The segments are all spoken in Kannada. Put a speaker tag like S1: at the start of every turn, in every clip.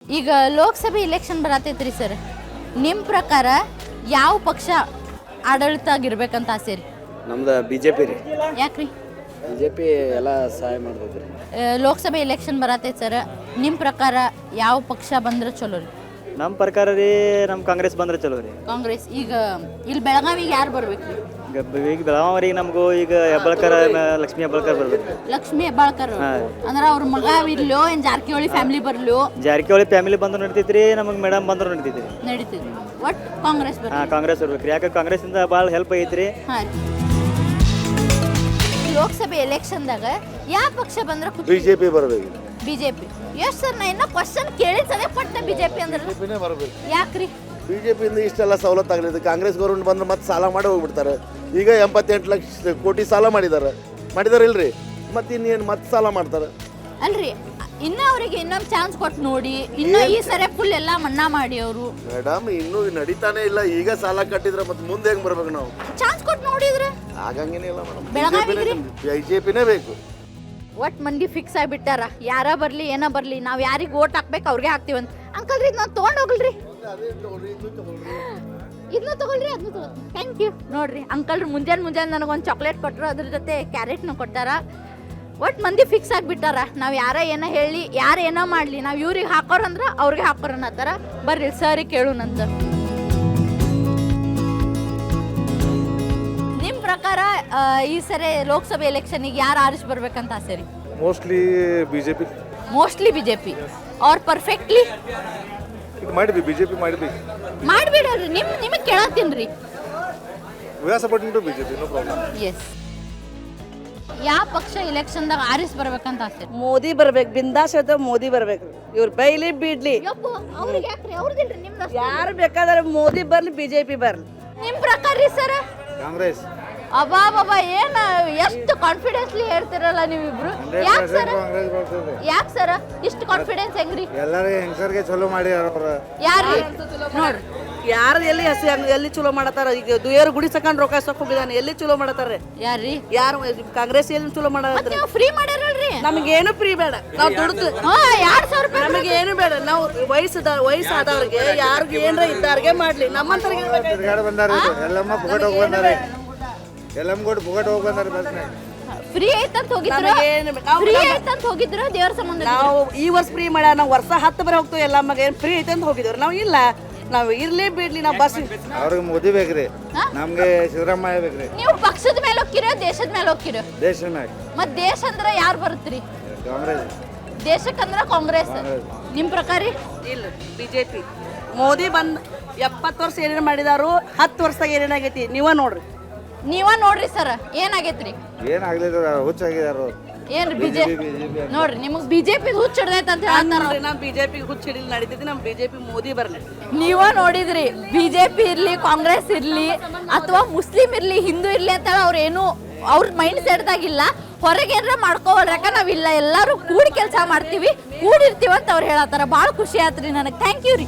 S1: ಈಗ ಲೋಕಸಭೆ ಇಲೆಕ್ಷನ್ ಬರತೈತ್ರಿ ಸರ್, ನಿಮ್ಮ ಪ್ರಕಾರ ಯಾವ ಪಕ್ಷ ಆಡಳಿತ ಆಗಿರ್ಬೇಕಂತ ಆಸೆ ರೀ?
S2: ನಮ್ದು BJP ರೀ.
S1: ಯಾಕ್ರಿ?
S2: BJP ಎಲ್ಲ ಸಹಾಯ ಮಾಡ್ತೈತೆ ರೀ.
S1: ಲೋಕಸಭೆ ಇಲೆಕ್ಷನ್ ಬರತೈತೆ ಸರ್, ನಿಮ್ಮ ಪ್ರಕಾರ ಯಾವ ಪಕ್ಷ ಬಂದ್ರೆ ಚಲೋ ರೀ?
S3: ನಮ್ಮ ಪ್ರಕಾರ ರೀ ನಮ್ಮ ಕಾಂಗ್ರೆಸ್ ಬಂದ್ರೆ ಚಲೋ ರೀ.
S1: ಕಾಂಗ್ರೆಸ್. ಈಗ ಇಲ್ಲಿ ಬೆಳಗಾವಿಗೆ ಯಾರು ಬರ್ಬೇಕು ರೀ?
S3: ಈಗ ಬೆಳಗಾವರಿಗೆ ನಮಗೂ ಈಗ ಹೆಬ್ಬಾಳ್ಕರ್ ಲಕ್ಷ್ಮೀ ಹೆಬ್ಬಾಳ್ಕರ್ ಬರ್ಬೇಕು.
S1: ಲಕ್ಷ್ಮೀ ಹೆಬ್ಬಾಳ್ಕರ್ ಅಂದ್ರೆ ಅವ್ರ ಮಗ ಇರ್ಲೋ ಏನು ಜಾರಕಿಹೊಳಿ ಫ್ಯಾಮಿಲಿ ಬರ್ಲೋ?
S3: ಜಾರಕಿಹೊಳಿ ಫ್ಯಾಮಿಲಿ ಬಂದ್ರು ನಡೀತೈತ್ರಿ, ನಮಗೆ ಮೇಡಮ್ ಬಂದ್ರು ನಡೀತೈತ್ರಿ.
S1: ನಡೀತೈತಿ. ಒಟ್ಟು ಕಾಂಗ್ರೆಸ್ ಬರ್ಬೇಕು.
S3: ಹಾಂ, ಕಾಂಗ್ರೆಸ್ ಬರ್ಬೇಕು ರೀ. ಯಾಕೆ ಕಾಂಗ್ರೆಸ್ಸಿಂದ ಭಾಳ ಹೆಲ್ಪ್ ಐತ್ರಿ.
S1: ಹಾಂ ರೀ. ಲೋಕಸಭೆ ಎಲೆಕ್ಷನ್ದಾಗ ಯಾವ ಪಕ್ಷ ಬಂದ್ರೆ
S4: BJP ಬರಬೇಕು.
S1: BJP. ಎಷ್ಟು ಸರ್ ನಾ ಇನ್ನೂ ಕ್ವಶನ್ ಕೇಳಿಸದೆ ಪಟ್ಟ BJP ಅಂದ್ರೆ
S4: ಬರಬೇಕು.
S1: ಯಾಕ್ರಿ?
S4: BJP ಇಂದ ಇಷ್ಟೆಲ್ಲ ಸವಲತ್ತು ಆಗಲಿದೆ. ಕಾಂಗ್ರೆಸ್ ಗೌರ್ಮೆಂಟ್ ಬಂದ್ರೆ ಮತ್ತೆ ಸಾಲ ಮಾಡಿ ಹೋಗ್ಬಿಡ್ತಾರೆ. ಈಗ 88 ಲಕ್ಷ ಕೋಟಿ ಸಾಲ ಮಾಡಿದ್ದಾರೆ ಇಲ್ರಿ, ಮತ್ತೆ ಇನ್ನೇನು ಮತ್ತೆ ಸಾಲ ಮಾಡ್ತಾರೆ
S1: ಅಲ್ರಿ. ಇನ್ನ ಅವರಿಗೆ ಇನ್ನೊಂದು ಚಾನ್ಸ್ ಕೊಟ್ಟು ನೋಡಿ, ಇನ್ನು ಈ ಸರಿ ಫುಲ್ ಎಲ್ಲ ಮನ್ನಾ ಮಾಡಿ ಅವರು.
S4: ಮೇಡಮ್ ಇನ್ನೂ ನಡೀತಾನೆ ಇಲ್ಲ. ಈಗ ಸಾಲ ಕಟ್ಟಿದ್ರೆ ಮತ್ತೆ ಮುಂದೆ ಹೆಂಗ್ ಬರ್ಬೇಕು ನಾವು?
S1: ಚಾನ್ಸ್ ಕೊಟ್ಟು ನೋಡಿದ್ರೆ
S4: ಆಗಂಗೇನಿಲ್ಲ ಮೇಡಮ್.
S1: ಬೆಳಗಾವಿಗೆ
S4: BJPನೇ ಬೇಕು.
S1: ಒಟ್ಟು ಮಂದಿ ಫಿಕ್ಸ್ ಆಗಿಬಿಟ್ಟಾರ, ಯಾರ ಬರಲಿ ಏನೋ ಬರಲಿ ನಾವು ಯಾರಿಗೆ ಓಟ್ ಹಾಕ್ಬೇಕು ಅವ್ರಿಗೆ ಹಾಕ್ತೀವಂತ. ಅಂಕಲ್ ರೀ ನಾವು ತೊಗೊಂಡು ಹೋಗಲ್ರಿ, ಇದನ್ನ ತಗೊಳ್ರಿ ಅದನ್ನ ತಗೋ. Thank you. ನೋಡ್ರಿ ಅಂಕಲ್ರು ಮುಂಜಾನೆ ನನಗೊಂದು ಚಾಕ್ಲೇಟ್ ಕೊಟ್ಟರು, ಅದ್ರ ಜೊತೆ ಕ್ಯಾರೆಟ್ನ ಕೊಟ್ಟಾರ. ಒಟ್ಟು ಮಂದಿ ಫಿಕ್ಸ್ ಆಗಿಬಿಟ್ಟಾರ, ನಾವು ಯಾರ ಏನೋ ಹೇಳಿ ಯಾರು ಏನೋ ಮಾಡಲಿ ನಾವು ಇವ್ರಿಗೆ ಹಾಕೋರಂದ್ರೆ ಅವ್ರಿಗೆ ಹಾಕೋರನ್ನತ್ತಾರ. ಬರ್ರಿ ಸರಿ ಕೇಳೋಣಂತ. ನಿಮ್ಮ ಪ್ರಕಾರ ಈ ಸರಿ ಲೋಕಸಭೆ ಎಲೆಕ್ಷನಿಗೆ ಯಾರು ಆರಿಸಿ ಬರ್ಬೇಕಂತ ಆಸೆ ರೀ?
S5: Mostly BJP.
S1: Mostly BJP are perfectly
S5: ಮಾಡಿದ್ವಿ BJP ಮಾಡಿದ್ವಿ.
S1: ಮಾಡಿಬಿಡ್ರಿ. ನಿಮಗೆ ಕೇಳತ್ತೀನಿ ರೀ.
S5: We are supporting to BJP, no problem.
S1: Yes. ಯಾವ ಪಕ್ಷ ಇಲೆಕ್ಷನ್ದಾಗ ಆರಿಸಿ ಬರ್ಬೇಕಂತ ಆಸೆ?
S6: ಮೋದಿ ಬರ್ಬೇಕು. ಬಿಂದಾಸ್ ಹೇಳ್ತೇವೆ, ಮೋದಿ ಬರ್ಬೇಕು. ಇವ್ರು ಬೈಲಿ ಬಿಡ್ಲಿ,
S1: ಅವ್ರಿಗೆ ಯಾಕ್ರಿ? ಅವ್ರದಿಲ್ರಿ ನಿಮ್ದು.
S6: ಯಾರು ಬೇಕಾದ್ರೆ ಮೋದಿ ಬರ್ಲಿ, BJP ಬರ್ಲಿ.
S1: ನಿಮ್ಮ ಪ್ರಕಾರ ರೀ ಸರ್?
S5: ಕಾಂಗ್ರೆಸ್.
S1: ಅಬ್ಬಾ ಬಾಬಾ, ಏನ್ ಎಷ್ಟು ಕಾನ್ಫಿಡೆನ್ಸ್ಲಿ ಹೇಳ್ತಿರಲ್ಲ ನೀವಿಬ್ರು. ಯಾಕೆ ಸರ್? ಯಾಕೆ ಸರ್ ಇಷ್ಟು ಕಾನ್ಫಿಡೆನ್ಸ್ ಹೆಂಗ್ರಿ?
S5: ಎಲ್ಲರೂ ಹೆಂಗಸರಿಗೆ ಚಲೋ ಮಾಡಿ
S1: ಯಾರ್ರಿ? ನೋಡ್ರಿ
S6: ಯಾರು ಎಲ್ಲಿ ಚಲೋ ಮಾಡತಾರ? ಈಗ ದುಯರು ಗುಡಿ ಸಕೊಂಡ್ ರೊಕ್ಕ ಸೊಕ್ಕ ಹೋಗಿದಾನೆ, ಎಲ್ಲಿ ಚಲೋ ಮಾಡತಾರ?
S1: ಯಾರ್ರಿ?
S6: ಯಾರು ಕಾಂಗ್ರೆಸ್ ಎಲ್ಲಿ ಚಲೋ ಮಾಡತ್ರ?
S1: ನೀವು ಫ್ರೀ ಮಾಡ್ಯಾರಲ್ರಿ?
S6: ನಮಗೇನು ಫ್ರೀ ಬೇಡ. ನಾವು ದುಡ್ದು
S1: 2,000 ರೂಪಾಯಿ
S6: ನಮಗೇನು ಬೇಡ. ನಾವು ವಯಸ್ಸಾದವ್ರಿಗೆ ಯಾರಿಗೆ ಏನ್ರ ಇದ್ದಾರಿಗೆ ಮಾಡ್ಲಿ. ನಮ್ಮಂತರಿಗೆ
S5: ತಿರ್ಗಾಡ ಬಂದಾರ. ಎಲ್ಲಮ್ಮ ಪುಗಟ್ ಹೋಗಿ ಬಂದಾರೆ. ಎಲ್ಲಮ್ಮ ಕೂಡ ಪುಗಟ್ ಹೋಗಿ ಬಂದಾರೆ ಬಸ್ನಾಗ.
S1: ಫ್ರೀ ಐತಂತ ಹೋಗಿದ್ರು, ಫ್ರೀ ಐತಂತ ಹೋಗಿದ್ರು ದೇವ್ರ ಸಂಬಂಧ.
S6: ನಾವು ಈ ವರ್ಷ ಫ್ರೀ ಮಾಡ್ಯಾರ. ನಾವು ವರ್ಷ 10 ಬರ ಹೋಗ್ತೀವಿ. ಎಲ್ಲ ಮಗ ಏನು ಫ್ರೀ ಐತೆ ಅಂತ ಹೋಗಿದ್ರು. ನಾವು ಇಲ್ಲ, ನಾವು ಇರ್ಲಿ ಬಿಡ್ಲಿ, ನಾವು ಬಸ್.
S5: ಅವ್ರಿಗೆ ಮೋದಿ ಬೇಕ್ರಿ, ನಮ್ಗೆ ಸಿದ್ದರಾಮಯ್ಯ ಬೇಕ್ರಿ.
S1: ನೀವು ಪಕ್ಷದ ಮೇಲೆ ಹೋಗ್ಕಿರೋ ದೇಶದ ಮೇಲೆ ಹೋಗ್ಕಿರೋ?
S5: ದೇಶ ಮ್ಯಾಗ.
S1: ಮತ್ ದೇಶ ಅಂದ್ರೆ ಯಾರು ಬರುತ್ತ್ರಿ?
S5: ಕಾಂಗ್ರೆಸ್.
S1: ದೇಶಕ್ಕಂದ್ರ ಕಾಂಗ್ರೆಸ್. ನಿಮ್ಮ ಪ್ರಕಾರ?
S6: ಇಲ್ಲ, BJP. ಮೋದಿ ಬಂದ್ 70 ವರ್ಷ ಏನೇನು ಮಾಡಿದಾರು, 10 ವರ್ಷದಾಗ ಏನೇನಾಗೈತಿ ನೀವ
S1: ನೋಡ್ರಿ ಸರ್. ಏನಾಗೈತ್ರಿ?
S5: ಏನಾಗ್ಲಿಲ್ಲ, ಹುಚ್ಚಾಗಿದಾರು.
S1: ಏನ್ರಿ BJP ನೋಡ್ರಿ, ನಿಮಗೆ BJP ಹುಚ್ಚ ಹಿಡ್ದೈತೆ ಅಂತ ಹೇಳ್ತಾರ.
S6: ನಾವು BJP ಹುಚ್ಚ ಹಿಡಿಲಿ ನಡೀತೈತಿ. ನಮ್ಮ BJP ಮೋದಿ ಬರ್ಲಿ.
S1: ನೀವ ನೋಡಿದ್ರಿ, BJP ಇರ್ಲಿ, ಕಾಂಗ್ರೆಸ್ ಇರ್ಲಿ, ಅಥವಾ ಮುಸ್ಲಿಂ ಇರ್ಲಿ, ಹಿಂದೂ ಇರ್ಲಿ ಅಂತ ಅವ್ರೇನು ಅವ್ರ ಮೈಂಡ್ ಸೆಟ್ದಾಗಿಲ್ಲ. ಹೊರಗೆ ಏನಾರ ಮಾಡ್ಕೋವಲ್ರಿ, ಯಾಕ ನಾವಿಲ್ಲ, ಎಲ್ಲರೂ ಕೂಡಿ ಕೆಲಸ ಮಾಡ್ತೀವಿ, ಕೂಡಿರ್ತೀವಿ ಅಂತ ಅವ್ರು ಹೇಳತ್ತಾರ. ಭಾಳ ಖುಷಿ ಆಯ್ತ್ರಿ ನನಗೆ. ಥ್ಯಾಂಕ್ ಯು ರೀ.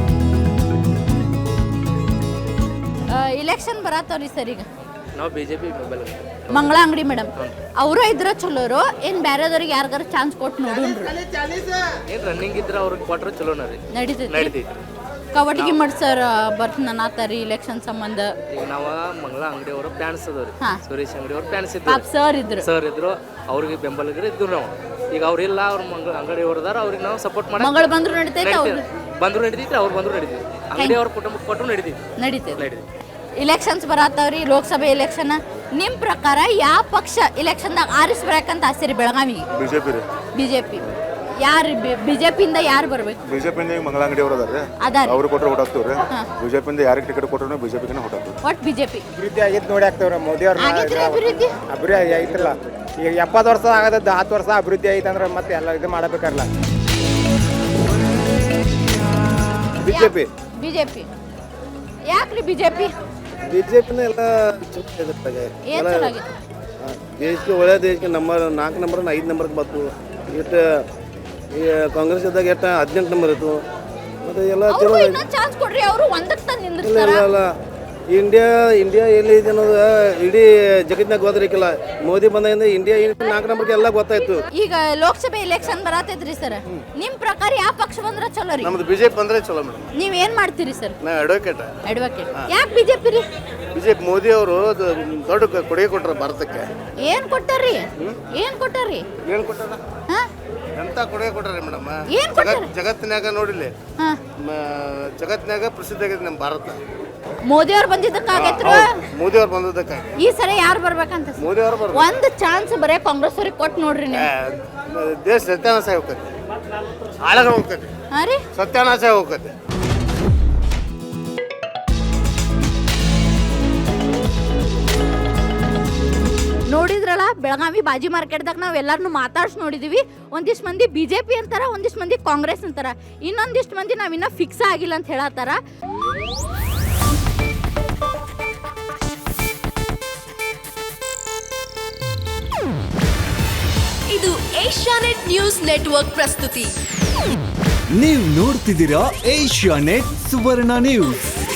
S1: ಇಲೆಕ್ಷನ್ ಬರತ್ತವ್ರಿ ಸರ್. ಈಗ
S2: ನಾವು BJP
S1: ಮಂಗಳ ಅಂಗಡಿ ಮೇಡಮ್ ಅವರು ಇದ್ರ ಚಲೋರು, ಏನು ಬೇರೆದವ್ರಿಗೆ ಯಾರಿಗಾರ ಚಾನ್ಸ್ ಕೊಟ್ಟು ನೋಡೋಣ್ರಿ.
S2: ಏನು ರನ್ನಿಂಗ್ ಇದ್ರೆ ಅವ್ರಿಗೆ ಕೊಟ್ರೆ ಚಲೋನ ರೀ.
S1: ನಡೀತೈತಿ. ಕವಟಗಿ ಮಠ ಸರ್ ಬರ್ತಾರಿ ಇಲೆಕ್ಷನ್ ಸಂಬಂಧ.
S2: ಈಗ ನಾವು ಮಂಗಳ ಅಂಗಡಿ ಅವರು ಫ್ಯಾನ್ಸ್ ಅದಾವ್ರಿ. ಸುರೇಶ್ ಅಂಗಡಿ ಅವ್ರ ಫ್ಯಾನ್ಸ್
S1: ಸರ್
S2: ಇದ್ರು ಅವ್ರಿಗೆ ಬೆಂಬಲಿಗರು ಇದ್ರು ನಾವು. ಈಗ ಅವ್ರಿಲ್ಲ, ಅವ್ರ ಮಂಗಳ ಅಂಗಡಿ ಅವ್ರದಾರ, ಅವ್ರಿಗೆ ನಾವು ಸಪೋರ್ಟ್ ಮಾಡಿ.
S1: ಮಂಗಳ ಬಂದ್ರು ನಡೀತೈತೆ,
S2: ಬಂದ್ರು ನಡೀತೈತಿ, ಅವ್ರು ಬಂದ್ರು ನಡೀತೈತಿ. ಅಂಗಡಿ ಅವ್ರ ಕುಟುಂಬಕ್ಕೆ ಕೊಟ್ಟರು ನಡೀತೈತಿ.
S1: ಇಲೆಕ್ಷನ್ಸ್ ಬರತ್ತವ್ರಿ, ಲೋಕಸಭೆ ಎಲೆಕ್ಷನ್. ನಿಮ್ಮ ಪ್ರಕಾರ ಯಾವ ಪಕ್ಷ ಇಲೆಕ್ಷನ್ದಾಗ ಆರಿಸ್ಬೇಕಂತ ಆಸೆ ರೀ ಬೆಳಗಾವಿಗೆ? BJP. ಯಾರು BJP ಇಂದ ಯಾರು ಬರ್ಬೇಕು?
S5: BJP ಇಂದ ಮಂಗಳ ಅಂಗಡಿ ಅವರು ಅದಾರೆ, ಅವ್ರು ಕೊಟ್ಟರೆ ಓಟ್ ಹಾಕ್ತವ್ರಿ. BJP ಇಂದ ಯಾರಿಗೆ ಟಿಕೆಟ್ ಕೊಟ್ಟರು BJP ಗೆ ಓಟ್ ಹಾಕ್ತವ್ರಿ.
S1: ಒಟ್ಟು BJP
S7: ಅಭಿವೃದ್ಧಿ ಆಗಿತ್ತು ನೋಡಿ ಹಾಕ್ತವ್ರಿ. ಮೋದಿ ಅವ್ರ ಅಭಿವೃದ್ಧಿ ಆಗಿತ್ತಲ್ಲ. ಈಗ 70 ವರ್ಷ ಆಗದ 10 ವರ್ಷ ಅಭಿವೃದ್ಧಿ ಐತೆ ಅಂದ್ರೆ ಮತ್ತೆ ಎಲ್ಲ ಇದು ಮಾಡಬೇಕಲ್ಲ.
S1: BJP ಯಾಕ್ರಿ?
S4: BJPನ ಎಲ್ಲ
S1: ಏನ್ ಚೆನ್ನಾಗಿದೆ?
S4: ದೇಶಕ್ಕೆ ಒಳ್ಳೆ ದೇಶಕ್ಕೆ ನಂಬರ್ 4 ನಂಬರ್ 5 ನಂಬರ್ಗೆ ಬಂತು. ಎಷ್ಟು ಈ ಕಾಂಗ್ರೆಸ್ ಇದ್ದಾಗ 18 ನಂಬರ್ ಇತ್ತು. ಮತ್ತೆ ಎಲ್ಲ ಚಲೋ
S1: ಚಾನ್ಸ್ ಕೊಡ್ರಿ, ಅವರು ಒಂದಕ್ಕೆ ತಂದು ನಿಂದಿರ್ತಾರ.
S4: ಇಲ್ಲ
S8: ಇಂಡಿಯಾ ಎಲ್ಲಿದೆ ಅನ್ನೋದು ಇಡೀ ಜಗತ್ತಿನಾಗ ಗೊತ್ತಿರಕ್ಕಿಲ್ಲ. ಮೋದಿ ಬಂದಿಂದ ಇಂಡಿಯಾ 4 ನಂಬರ್ಗೆ ಎಲ್ಲ ಗೊತ್ತಾಯ್ತು.
S1: ಈಗ ಲೋಕಸಭೆ ಎಲೆಕ್ಷನ್ ಬರತೈತ್ರಿ ಸರ್, ನಿಮ್ ಪ್ರಕಾರ ಯಾವ ಪಕ್ಷ ಬಂದ್ರ ಚಲೋ ರೀ?
S4: ನಮ್ದು ಬಿಜೆಪಿ ಬಂದ್ರೆ ಚಲೋ ಮೇಡಮ್.
S1: ನೀವ್ ಏನ್ ಮಾಡ್ತೀರಿ ಸರ್?
S4: ನಾವು ಅಡ್ವೊಕೇಟ್.
S1: ಅಡ್ವೊಕೇಟ್. ಯಾಕೆ ಬಿಜೆಪಿ ರೀ?
S4: ಬಿಜೆಪಿ ಮೋದಿ ಅವರು ದೊಡ್ಡ ಕೊಡುಗೆ ಕೊಟ್ಟರು ಭಾರತಕ್ಕೆ.
S1: ಏನ್ ಕೊಟ್ಟಾರಿ? ಏನ್ ಕೊಟ್ಟಾರಿ?
S4: ಏನು ಕೊಟ್ಟಾರ?
S1: ಹಾ?
S4: ಎಂತ ಕೊಡುಗೆ ಕೊಟ್ಟಾರೆ ಮೇಡಮ್.
S1: ಏನ್ ಕೊಟ್ಟಾರ?
S4: ಜಗತ್ತಿನಾಗ ನೋಡಿಲಿ,
S1: ಹಾ.
S4: ಜಗತ್ತಿನಾಗ ಪ್ರಸಿದ್ಧ ಆಗಿದೆ ನಮ್ಮ ಭಾರತ.
S1: ಮೋದಿ ಅವ್ರು ಬಂದಿದ್ದಕ್ಕಾಗೈತ್ರು.
S4: ಮೋದಿ ಅವ್ರು ಬಂದದಕ್ಕಾಗಿ
S1: ಈ ಸರಿ ಯಾರು ಬರ್ಬೇಕಂತ?
S4: ಮೋದಿ ಅವ್ರು ಬರ್ಬೇಕು.
S1: ಒಂದ್ ಚಾನ್ಸ್ ಬರೇ ಕಾಂಗ್ರೆಸ್ ಅವ್ರಿಗೆ ಕೊಟ್ಟು ನೋಡ್ರಿ ನೀವು.
S4: ದೇಶ ಸತ್ಯಾನಾಶ ಹೋಗ್ತದೆ, ಹಾಳಾಗ ಹೋಗ್ತದೆ,
S1: ಹಾ ರೀ?
S4: ಸತ್ಯಾನಾಶ ಹೋಗ್ತದೆ.
S1: ನೋಡಿದ್ರಲ್ಲ, ಬೆಳಗಾವಿ ಬಾಜಿ ಮಾರ್ಕೆಟ್ದಾಗ ನಾವು ಎಲ್ಲಾರನ್ನೂ ಮಾತಾಡ್ಸಿ ನೋಡಿದೀವಿ. ಒಂದಿಷ್ಟು ಮಂದಿ ಬಿಜೆಪಿ ಅಂತಾರ, ಒಂದಿಷ್ಟು ಮಂದಿ ಕಾಂಗ್ರೆಸ್ ಅಂತಾರ, ಇನ್ನೊಂದಿಷ್ಟು ಮಂದಿ ನಾವಿನ್ನ ಫಿಕ್ಸ್ ಆಗಿಲ್ಲ ಅಂತ ಹೇಳತ್ತಾರ.
S9: ಇದು ಏಷ್ಯಾನೆಟ್ ನ್ಯೂಸ್ ನೆಟ್ವರ್ಕ್ ಪ್ರಸ್ತುತಿ.
S10: ನೀವು ನೋಡ್ತಿದ್ದೀರಾ ಏಷ್ಯಾನೆಟ್ ಸುವರ್ಣ ನ್ಯೂಸ್.